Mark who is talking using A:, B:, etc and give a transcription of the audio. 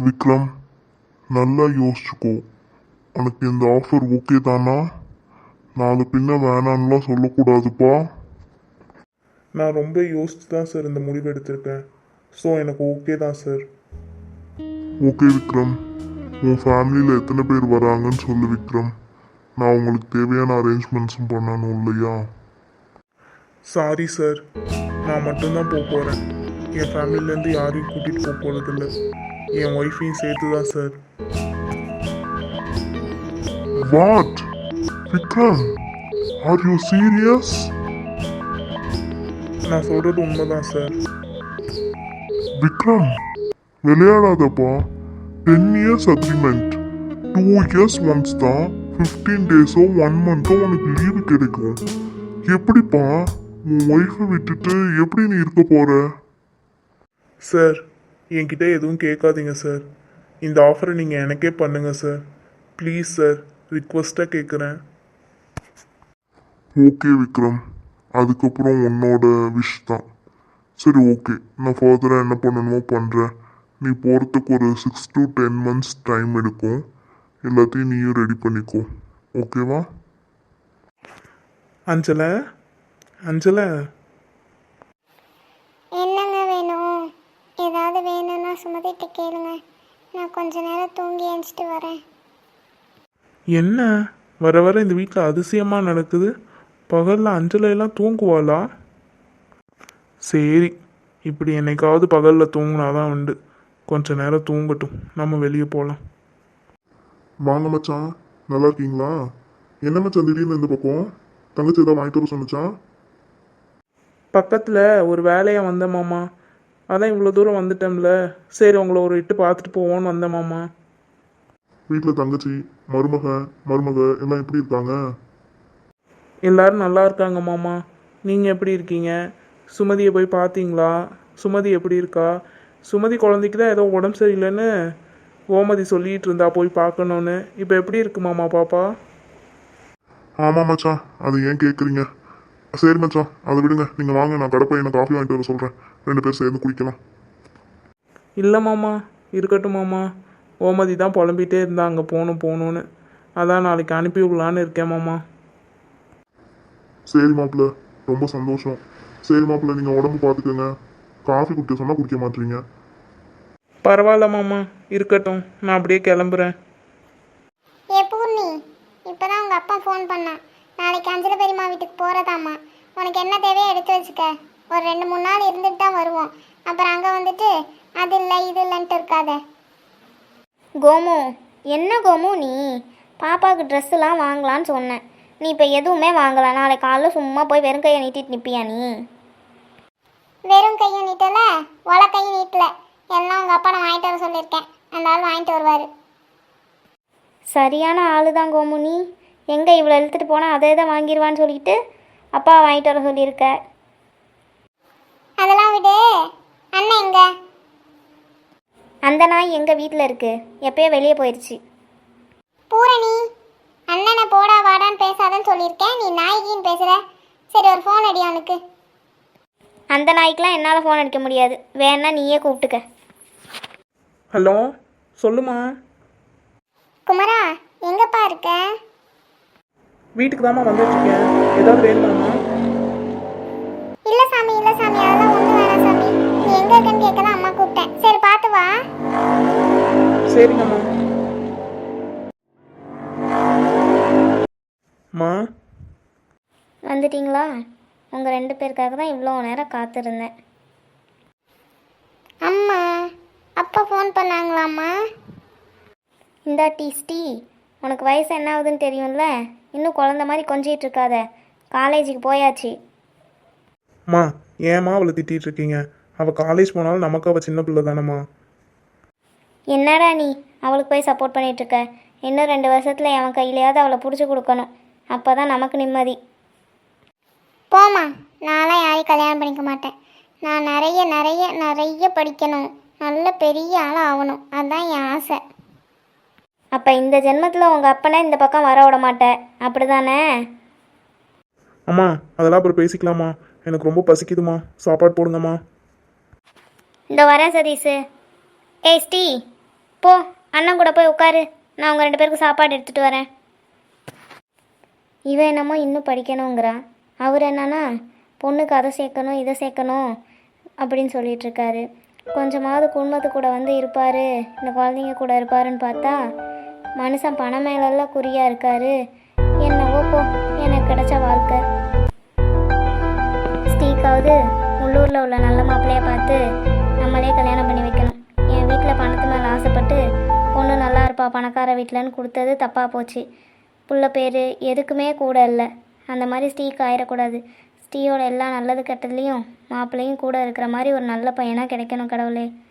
A: விக்ரம், நல்லா யோசிச்சுக்கோ. உனக்கு இந்த ஆஃபர் ஓகே தானா? நாலு பின்ன வேணான்னுலாம் சொல்லக்கூடாதுப்பா.
B: நான் ரொம்ப யோசிச்சு தான் சார் இந்த முடிவு எடுத்திருக்கேன். ஸோ எனக்கு ஓகே தான் சார்.
A: ஓகே விக்ரம், உன் ஃபேமிலியில் எத்தனை பேர் வராங்கன்னு சொல்லு விக்ரம். நான் உங்களுக்கு தேவையான அரேஞ்ச்மெண்ட்ஸும் பண்ணணும் இல்லையா?
B: சாரி சார், நான் மட்டும்தான் போக போகிறேன். என் ஃபேமிலிலேருந்து யாரையும் கூட்டிகிட்டு போக போகிறதில்ல. என் ஒய்ஃபையும் சேர்த்து தான் sir.
A: What Vikram, are you serious?
B: நான் சொல்கிறது உண்மைதான் சார்.
A: விக்ரம், விளையாடாதப்பா. 10 இயர்ஸ் அக்ரிமெண்ட், 2 இயர்ஸ் ஒன்ஸ் தான் 15 டேஸோ 1 மந்த்தோ உனக்கு லீவு கிடைக்கும். எப்படிப்பா உன் ஒய்ஃபை விட்டுட்டு எப்படி நீ இருக்க போற?
B: சார், என்கிட்ட எதுவும் கேட்காதீங்க சார். இந்த ஆஃபரை நீங்கள் எனக்கே பண்ணுங்க சார். ப்ளீஸ் சார், ரிக்வஸ்ட்டாக கேட்குறேன்.
A: ஓகே விக்ரம், அதுக்கப்புறம் உன்னோட விஷ் தான். சரி ஓகே, நான் ஃபர்தராக என்ன பண்ணணுமோ பண்ணுறேன். நீ போகிறதுக்கு ஒரு 6 to 10 months டைம் எடுக்கும். எல்லாத்தையும் நீயும் ரெடி பண்ணிக்கோ, ஓகேவா?
B: அஞ்சலை, அஞ்சலை,
C: என்னங்க வேணும்? ஏதாவது வேணும்னா சுமதிட்டு கேளுங்க. நான் கொஞ்ச நேரம் தூங்கி எழுந்துட்டு வரேன்.
B: என்ன வர வர இந்த வீட்டில் அதிசயமாக நடக்குது. பகலில் அஞ்சலையெல்லாம் தூங்குவாளா? சரி, இப்படி என்னைக்காவது பகலில் தூங்கினாதான் உண்டு. கொஞ்ச நேரம் தூங்கட்டும், நம்ம வெளியே போகலாம்.
A: வாங்க மச்சான், நல்லா இருக்கீங்களா? என்ன மச்சான் திடீர்னு இந்த பக்கம்? தங்கச்சி ஏதாவது வாங்கிட்டு வர சொன்னிச்சான்?
B: பக்கத்தில் ஒரு வேலையாக வந்தேன் மாமா. அதான் இவ்வளோ தூரம் வந்துட்டோம்ல, சரி உங்களை ஒரு இட்டு பார்த்துட்டு போவோன்னு வந்தேன் மாமா.
A: வீட்டில் தங்கச்சி, மருமக எல்லாம் எப்படி இருக்காங்க?
B: எல்லாரும் நல்லா இருக்காங்க மாமா. நீங்கள் எப்படி இருக்கீங்க? சுமதியை போய் பார்த்தீங்களா? சுமதி எப்படி இருக்கா? சுமதி குழந்தைக்கு தான் ஏதோ உடம்பு சரியில்லைன்னு கோமதி சொல்லிகிட்டு இருந்தா போய் பார்க்கணுன்னு. இப்போ எப்படி இருக்கு மாமா பாப்பா?
A: ஆமாம் மச்சான், அது ஏன் கேட்குறீங்க? சரி மச்சான், அதை விடுங்க. நீங்கள் வாங்க, நான் கடை பையனை காஃபி வாங்கிட்டு வர சொல்கிறேன். 2 பேர் சேர்ந்து குடிக்கலாம்.
B: இல்லை மாமா, இருக்கட்டும் மாமா. கோமதி தான் புலம்பிகிட்டே இருந்தா அங்கே போகணுன்னு. அதான் நாளைக்கு அனுப்பி விடலான்னு இருக்கேன் மாமா.
A: சரி மாப்பிள்ள, ரொம்ப சந்தோஷம். சரி மாப்பிள்ள, நீங்கள் உடம்பு பார்த்துக்கோங்க. காஃபி குடிக்க சொன்னால் குடிக்க மாட்டீங்க.
B: பரவாயில்ல மாமா, இருக்கட்டும். நான் அப்படியே கிளம்புறேன்.
C: ஏ பூர்ணி, இப்போதான் உங்கள் அப்பா ஃபோன் பண்ணான். நாளைக்கு அஞ்சலி பெரியம்மா வீட்டுக்கு போகிறதாம்மா. உனக்கு என்ன தேவையோ எடுத்து வச்சுக்க. ஒரு 2-3 நாள் இருந்துட்டு தான் வருவோம். அப்புறம் அங்கே வந்துட்டு அது இல்லை இது இல்லைன்ட்டு இருக்காத.
D: கோமு, என்ன கோமு நீ? பாப்பாவுக்கு ட்ரெஸ்ஸுலாம் வாங்கலான்னு சொன்னேன். நீ இப்போ எதுவுமே வாங்கலை. நாளைக்கு காலைல சும்மா போய் வெறும் கையை நீட்டிட்டு நிற்பியா நீ?
C: வெறும் கையும் நீட்டல, ஒல கையும் நீட்டல. எல்லாம் உங்கள் அப்பா நான் வாங்கிட்டு வர சொல்லியிருக்கேன். அந்த ஆள் வாங்கிட்டு வருவார்.
D: சரியான ஆளு தான் கோமு நீ. எங்கே இவ்வளோ இழுத்துட்டு போனால் அதே தான் வாங்கிடுவான்னு சொல்லிட்டு அப்பா வாங்கிட்டு வர சொல்லியிருக்க.
C: அதெல்லாம் விடு. அண்ணன் எங்க?
D: அந்த நாய் எங்கள் வீட்டில் இருக்குது. எப்போயோ வெளியே போயிடுச்சு.
C: பூரணி, அண்ணனை போடா வாடான்னு பேசாதன்னு சொல்லியிருக்கேன். நீ நாய்கின்னு பேசுகிற. சரி, ஒரு ஃபோன் அடி அவனுக்கு.
D: அந்த நாய்க்கெலாம் என்னால் ஃபோன் அடிக்க முடியாது. வேணா நீயே கூப்பிட்டுக்க.
B: ஹலோ, சொல்லுமா.
C: குமரா, எங்கப்பா இருக்க?
B: வீட்டுக்கு தாம்மா வந்துட்டுருக்கேன். ஏதாவது வேணுமாம்மா?
C: இல்லை சாமி, இல்லை சாமி, அதெல்லாம் ஒன்றும் வேணாம் சாமி. நீ எங்கே இருக்கன்னு கேட்க தான் அம்மா கூப்பிட்டேன். சரி, பார்த்து வா.
B: சரிங்கம்மா. மா,
D: வந்துட்டிங்களா? உங்கள் 2 பேருக்காக தான் இவ்வளோ நேரம் காத்திருந்தேன்.
C: அம்மா, அப்பா ஃபோன் பண்ணாங்களாம்மா?
D: இந்தா டீ. உனக்கு வயசு என்ன ஆகுதுன்னு தெரியும்ல. இன்னும் குழந்த மாதிரி கொஞ்சிட்டு இருக்காத. காலேஜுக்கு போயாச்சு.
B: மா, ஏம்மா அவளை திட்டிகிட்டு இருக்கீங்க? அவள் காலேஜ் போனாலும் நமக்கு அவள் சின்ன பிள்ளை தானம்மா.
D: என்னடா நீ அவளுக்கு போய் சப்போர்ட் பண்ணிகிட்ருக்க? இன்னும் 2 வருஷத்தில் என் கையிலையாவது அவளை பிடிச்சி கொடுக்கணும். அப்போ தான் நமக்கு நிம்மதி.
C: போம்மா, நான்லாம் யாரையும் கல்யாணம் பண்ணிக்க மாட்டேன். நான் நிறைய நிறைய நிறைய படிக்கணும். நல்ல பெரிய ஆளாக ஆகணும். அதுதான் என் ஆசை.
D: அப்போ இந்த ஜென்மத்தில் உங்கள் அப்பனை இந்த பக்கம் வர விட மாட்டேன், அப்படி தானே?
B: அம்மா, அதெல்லாம் அப்புறம் பேசிக்கலாமா. எனக்கு ரொம்ப பசிக்குதுமா, சாப்பாடு போடுங்கம்மா.
D: இந்த வரேன் சதீஷு. ஏய் ஸ்ரீ, போ அண்ணன் கூட போய் உட்காரு, நான் உங்கள் 2 பேருக்கு சாப்பாடு எடுத்துகிட்டு வரேன். இவன் என்னமோ இன்னும் படிக்கணுங்கிறா. அவர் என்னன்னா பொண்ணுக்கு அதை சேர்க்கணும் இதை சேர்க்கணும் அப்படின்னு சொல்லிகிட்ருக்காரு. கொஞ்சமாவது குடும்பத்து கூட வந்து இருப்பார், இந்த குழந்தைங்க கூட இருப்பாருன்னு பார்த்தா மனுஷன் பணம் மேலெல்லாம் குறியாக இருக்கார். என்னவோ போ, எனக்கு கிடைச்ச வாழ்க்கை. ஸ்டீக்காவது உள்ளூரில் உள்ள நல்ல மாப்பிள்ளையை பார்த்து நம்மளே கல்யாணம் பண்ணி வைக்கணும். என் வீட்டில் பணத்து மேலே ஆசைப்பட்டு பொண்ணு நல்லா இருப்பா பணக்கார வீட்டிலன்னு கொடுத்தது தப்பாக போச்சு. புள்ள பேர் எதுக்குமே கூட இல்லை. அந்த மாதிரி ஸ்டீக்கு ஆயிடக்கூடாது. ஸ்டீயோட எல்லா நல்லது கெட்டதுலேயும் மாப்பிள்ளையும் கூட இருக்கிற மாதிரி ஒரு நல்ல பையனாக கிடைக்கணும் கடவுளே.